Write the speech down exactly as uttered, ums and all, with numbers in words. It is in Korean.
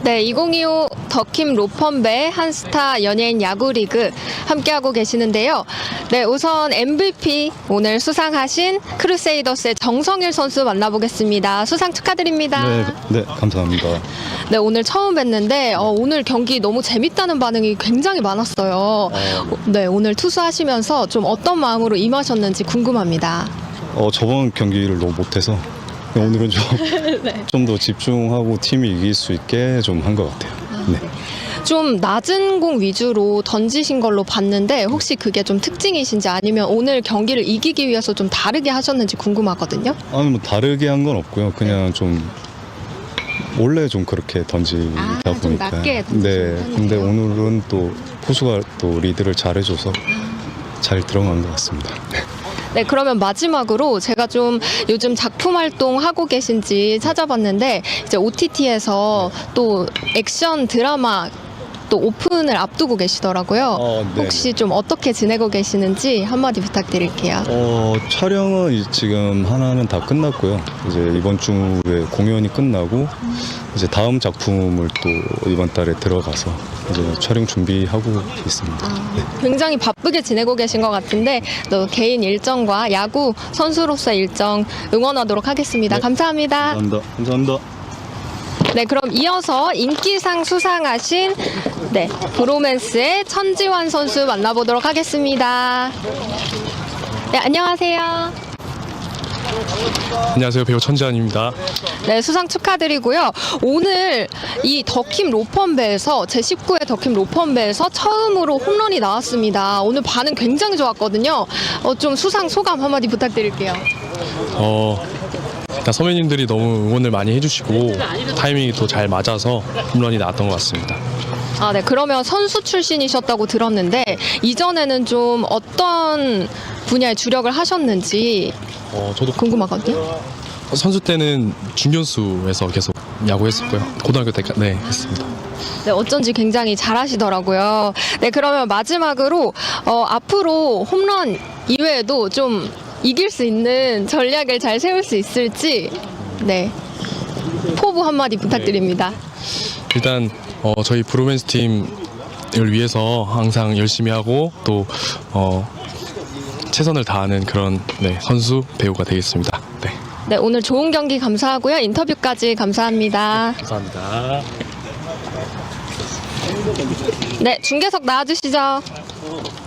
네, 이천이십오 더킴 로펌배 한스타 연예인 야구리그 함께하고 계시는데요. 네, 우선 엠브이피 오늘 수상하신 크루세이더스의 정성일 선수 만나보겠습니다. 수상 축하드립니다. 네, 네, 감사합니다. 네, 오늘 처음 뵀는데 어, 오늘 경기 너무 재밌다는 반응이 굉장히 많았어요. 네, 오늘 투수하시면서 좀 어떤 마음으로 임하셨는지 궁금합니다. 어, 저번 경기를 너무 못해서 오늘은 좀 좀 더 네. 집중하고 팀이 이길 수 있게 좀 한 것 같아요. 네. 좀 낮은 공 위주로 던지신 걸로 봤는데 혹시 그게 좀 특징이신지 아니면 오늘 경기를 이기기 위해서 좀 다르게 하셨는지 궁금하거든요. 아니 뭐 다르게 한 건 없고요. 그냥 좀 원래 좀 그렇게 던지다 아, 좀 보니까. 낮게 던지시는 네. 편이세요? 근데 오늘은 또 포수가 또 리드를 잘해줘서 잘 들어간 것 같습니다. 네, 그러면 마지막으로 제가 좀 요즘 작품 활동 하고 계신지 찾아봤는데 이제 오티티에서 또 액션 드라마 또 오픈을 앞두고 계시더라고요. 어, 네. 혹시 좀 어떻게 지내고 계시는지 한마디 부탁드릴게요. 어, 촬영은 이- 지금 하나는 다 끝났고요. 이제 이번 주에 공연이 끝나고 이제 다음 작품을 또 이번 달에 들어가서 이제 촬영 준비하고 있습니다. 네. 굉장히 바쁘게 지내고 계신 것 같은데 또 개인 일정과 야구 선수로서의 일정 응원하도록 하겠습니다. 네. 감사합니다. 감사합니다. 감사합니다. 네, 그럼 이어서 인기상 수상하신 네, 브로맨스의 천지환 선수 만나보도록 하겠습니다. 네, 안녕하세요. 안녕하세요, 배우 천지환입니다. 네, 수상 축하드리고요. 오늘 이 더킴 로펌배에서 제십구 회 더킴 로펌배에서 처음으로 홈런이 나왔습니다. 오늘 반응 굉장히 좋았거든요. 어, 좀 수상 소감 한마디 부탁드릴게요. 어, 일단 선배님들이 너무 응원을 많이 해주시고 타이밍이 또 잘 맞아서 홈런이 나왔던 것 같습니다. 아, 네. 그러면 선수 출신이셨다고 들었는데 이전에는 좀 어떤 분야에 주력을 하셨는지 어, 저도 궁금하거든요. 선수 때는 중견수에서 계속 야구했었고요. 고등학교 때까지 네, 했습니다. 네, 어쩐지 굉장히 잘하시더라고요. 네, 그러면 마지막으로 어, 앞으로 홈런 이외에도 좀 이길 수 있는 전략을 잘 세울 수 있을지 네 포부 한마디 부탁드립니다. 일단 어, 저희 브로맨스 팀을 위해서 항상 열심히 하고 또 어, 최선을 다하는 그런 네, 선수 배우가 되겠습니다. 네, 네, 오늘 좋은 경기 감사하고요. 인터뷰까지 감사합니다. 감사합니다. 네, 중계석 나와주시죠.